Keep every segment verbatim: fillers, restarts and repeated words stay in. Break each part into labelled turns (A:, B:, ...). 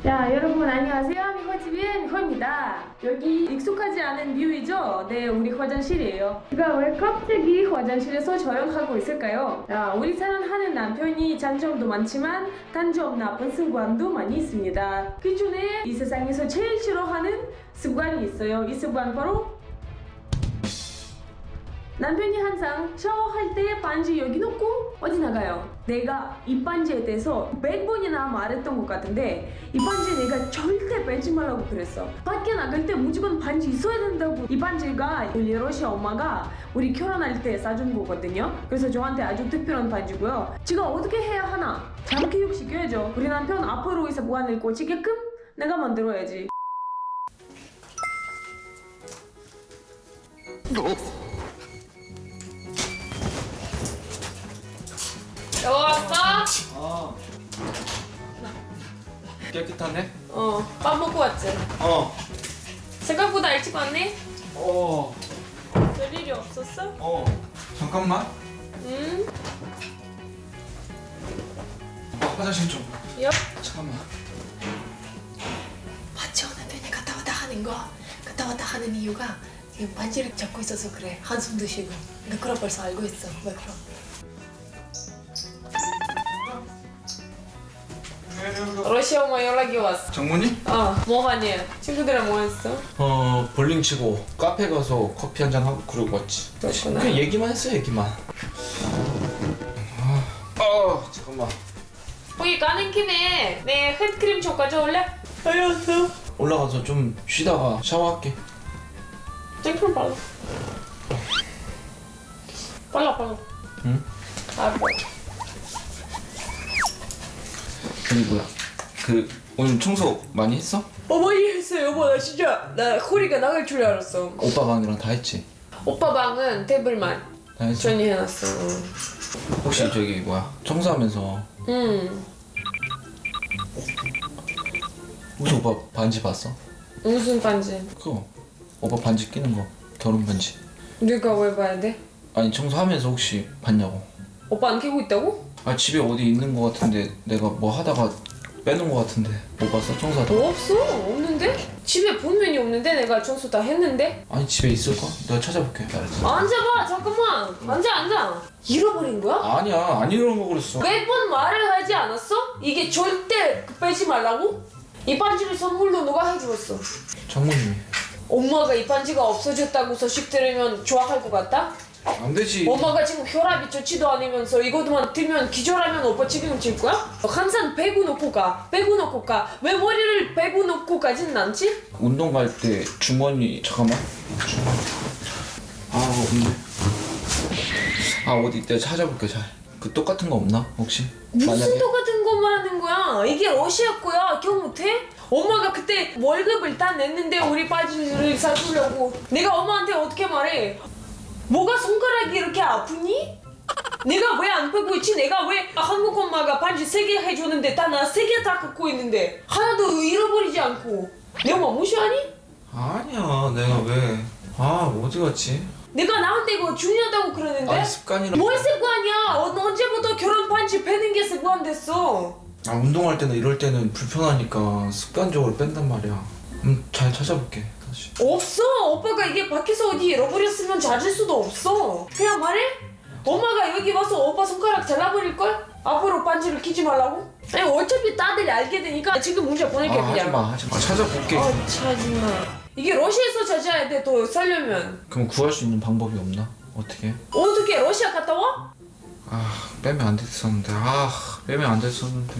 A: 자, 여러분 안녕하세요. 미호집인 미호입니다. 여기 익숙하지 않은 뷰이죠? 네, 우리 화장실이에요. 제가 왜 갑자기 화장실에서 촬영하고 있을까요? 자, 우리 사랑하는 남편이 장점도 많지만 단점 나쁜 습관도 많이 있습니다. 그 중에 이 세상에서 제일 싫어하는 습관이 있어요. 이 습관 바로 남편이 항상 샤워할 때 반지 여기 놓고 어디 나가요? 내가 이 반지에 대해서 백 번이나 말했던 것 같은데 이 반지 내가 절대 빼지 말라고 그랬어. 밖에 나갈 때 무조건 반지 있어야 된다고. 이 반지가 우리 러시아 엄마가 우리 결혼할 때 사준 거거든요. 그래서 저한테 아주 특별한 반지고요. 제가 어떻게 해야 하나? 잘 교육시켜야죠. 우리 남편 앞으로 이 습관을 고치게끔 내가 만들어야지. 여보 왔어?
B: 어. 깨끗하네?
A: 어, 밥 먹고 왔지?
B: 어.
A: 생각보다 일찍 왔네?
B: 어.
A: 별일이 없었어?
B: 어. 잠깐만.
A: 응?
B: 어, 화장실 좀.
A: 여?
B: 잠깐만.
C: 맞죠? 남편이 갔다 왔다 하는 거 갔다 왔다 하는 이유가 지금 반지를 잡고 있어서 그래. 한숨도 쉬고. 나 그럼 벌써 알고 있어. 왜 그럼?
A: 러시아 엄마 연락이 왔어.
B: 장모님?
A: 어, 뭐 하니? 친구들이랑 뭐 했어?
B: 어, 볼링 치고 카페 가서 커피 한잔 하고 그러고 왔지.
A: 그렇구나.
B: 그냥 얘기만 했어, 얘기만. 아, 어, 잠깐만.
A: 거기 가는 김에 내 핸드크림 좀 가져올래? 알겠어.
B: 올라가서 좀 쉬다가 샤워할게.
A: 생크림 발라. 발라 발라.
B: 응?
A: 아, 뭐.
B: 아니 뭐야? 그 오늘 청소 많이 했어?
A: 어, 많이 했어 여보. 나 진짜 나 허리가 나갈 줄 알았어.
B: 오빠 방이랑 다 했지?
A: 오빠 방은 테이블만
B: 다 했지?
A: 정리해놨어.
B: 혹시 저기 뭐야? 청소하면서
A: 응.
B: 혹시 오빠 반지 봤어?
A: 무슨 반지?
B: 그거 오빠 반지 끼는 거 결혼 반지.
A: 네가 왜 봐야 돼?
B: 아니 청소하면서 혹시 봤냐고.
A: 오빠 안 끼고 있다고?
B: 아 집에 어디 있는 거 같은데 내가 뭐 하다가 빼놓은 거 같은데 못 봤어? 청소하다가?
A: 뭐 없어. 없는데? 집에 분명히 없는데 내가 청소 다 했는데?
B: 아니 집에 있을까? 내가 찾아볼게. 알았어.
A: 앉아봐 잠깐만. 앉아 앉아. 잃어버린 거야?
B: 아니야 안 이러는 거 그랬어.
A: 몇 번 말을 하지 않았어? 이게 절대 빼지 말라고? 이 반지를 선물로 누가 해주었어?
B: 장모님이.
A: 엄마가 이 반지가 없어졌다고 소식 들으면 좋아할 것 같다?
B: 안 되지.
A: 엄마가 지금 혈압이 좋지도 않으면서 이것만 들면 기절하면 오빠 책임질 거야? 항상 배구 놓고 가 배구 놓고 가왜 머리를 배구 놓고 가진 않지?
B: 운동 갈 때 주머니 잠깐만. 주머니. 아 없네. 아 어디 내가 찾아볼게 잘. 그 똑같은 거 없나 혹시?
A: 무슨 똑같은 거 말하는 거야? 이게 러시아 거야. 기억 못해? 엄마가 그때 월급을 다 냈는데 우리 바지를 사주려고. 내가 엄마한테 어떻게 말해? 뭐가 손가락이 이렇게 아프니? 내가 왜 안 빼고 있지? 내가 왜 한국 엄마가 반지 세 개 해줬는데 다 나 세 개 다 갖고 있는데 하나도 잃어버리지 않고. 내 엄마 무시하니?
B: 아니야 내가 왜? 아 어디 갔지?
A: 내가 나한테 이거 중요하다고 그러는데?
B: 아니 습관이라.
A: 뭘 습관이야? 어, 언제부터 결혼 반지 빼는 게 습관 됐어?
B: 아 운동할 때나 이럴 때는 불편하니까 습관적으로 뺀단 말이야. 음 잘 찾아볼게 다시.
A: 없어. 오빠가 이게 밖에서 어디 잃어버렸으면 찾을 수도 없어. 그냥 말해? 엄마가 여기 와서 오빠 손가락 잘라버릴걸? 앞으로 반지를 끼지 말라고? 아니 어차피 다들 알게 되니까 지금 문자 보낼게.
B: 아
A: 그냥.
B: 하지마 하지마. 찾아볼게.
A: 아 찾지마. 이게 러시아에서 찾아야 돼. 더 살려면.
B: 그럼 구할 수 있는 방법이 없나? 어떻게?
A: 어떻게 러시아 갔다 와?
B: 아 빼면 안 됐었는데. 아 빼면 안 됐었는데.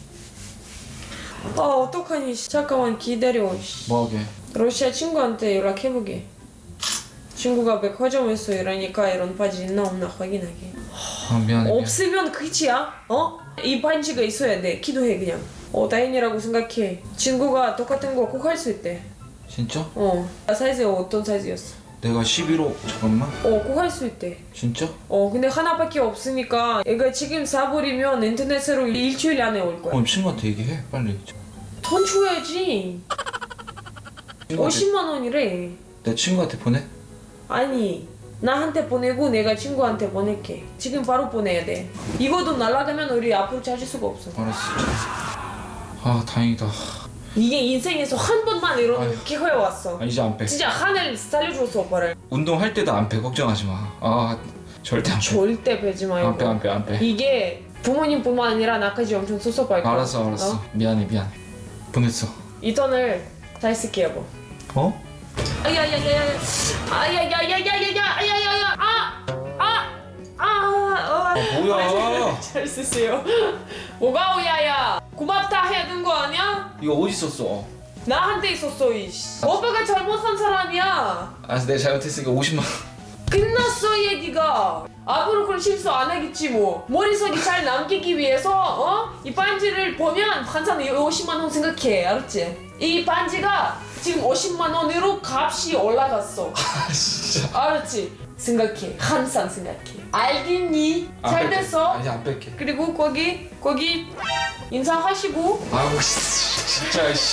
A: 아 어떡하니. 잠깐만 기다려.
B: 뭐하게?
A: 러시아 친구한테 연락해보게. 친구가 백화점에서 일하니까 이런 바지 있나 없나 확인하게.
B: 아 미안해. 미안해.
A: 없으면 끝이야. 어? 이 반지가 있어야 돼. 기도해 그냥. 어 다행이라고 생각해. 친구가 똑같은 거 꼭 할 수 있대.
B: 진짜?
A: 어. 사이즈가 어떤 사이즈였어?
B: 내가 십일 호 잠깐만.
A: 어 꼭 할 수 있대.
B: 진짜?
A: 어 근데 하나밖에 없으니까 얘가 지금 사버리면 인터넷으로 일주일 안에 올 거야.
B: 그럼 친구한테 얘기해 빨리.
A: 돈 줘야지.
B: 친구한테-
A: 오십만 원이래.
B: 내 친구한테 보내?
A: 아니 나한테 보내고 내가 친구한테 보낼게. 지금 바로 보내야 돼. 이거도 날아가면 우리 앞으로 찾을 수가 없어.
B: 알았어. 아 다행이다.
A: 이게 인생에서 한 번만 이런
B: 아휴.
A: 기회가 왔어.
B: 아, 이제 안 빼.
A: 진짜 하늘 살려줬어 오빠를.
B: 운동할 때도 안 빼. 걱정하지 마. 아 절대 안 빼.
A: 절대 빼지 말고.
B: 안 빼, 안 빼, 안 빼.
A: 이게 부모님뿐만 아니라 나까지 엄청 섭섭할 거야.
B: 알았어, 알았어.
A: 어?
B: 미안해, 미안해. 보냈어.
A: 이 돈을 잘 쓸게 여보.
B: 어?
A: 아야야야야. 아야야야야야야. 아야야야. 아. 아. 아. 아.
B: 아 뭐야?
A: 잘 쓰세요. 뭐가 오야야. 고맙다 해야 되는 거 아니야?
B: 이거 어디 있었어?
A: 나한테 있었어 이씨. 오빠가 잘못한 사람이야.
B: 알았어, 내가 잘못했으니까 오십만 원.
A: 끝났어 얘기가. 앞으로 그런 실수 안 하겠지 뭐. 머릿속이 잘 남기기 위해서 어? 이 반지를 보면 항상 오십만 원 생각해. 알았지? 이 반지가 지금 오십만 원으로 값이 올라갔어.
B: 아 진짜.
A: 알았지? 생각해. 항상 생각해. 알겠니?
B: 안
A: 잘
B: 뺄게.
A: 됐어?
B: 아, 이제 안 뺄게.
A: 그리고 거기 거기 인사하시고
B: 아우 씨, 진짜 씨.